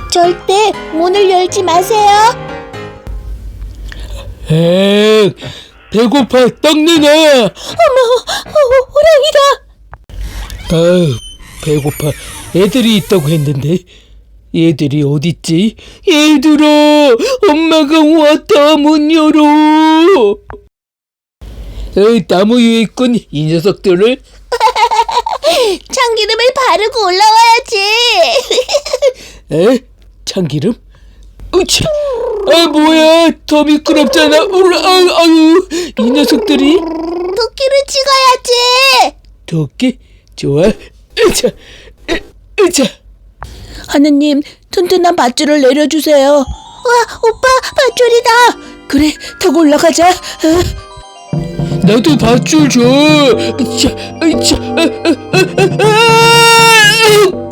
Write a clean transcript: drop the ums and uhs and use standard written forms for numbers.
절대 문을 열지 마세요. 배고파 떡내놔. 어머, 호랑이다. 아유, 배고파. 애들이 있다고 했는데 얘들이 어딨지? 얘들아, 엄마가 왔다. 문 열어. 나무 위에 있군. 이 녀석들을. 참기름을 바르고 올라와야지. 참기름? 으차! 뭐야, 더 미끄럽잖아. 아유, 이 녀석들이. 도끼를 찍어야지. 도끼? 좋아. 으차. 하느님, 튼튼한 밧줄을 내려주세요. 와, 오빠, 밧줄이다. 그래, 타고 올라가자. 나도 밧줄 줘. 으차.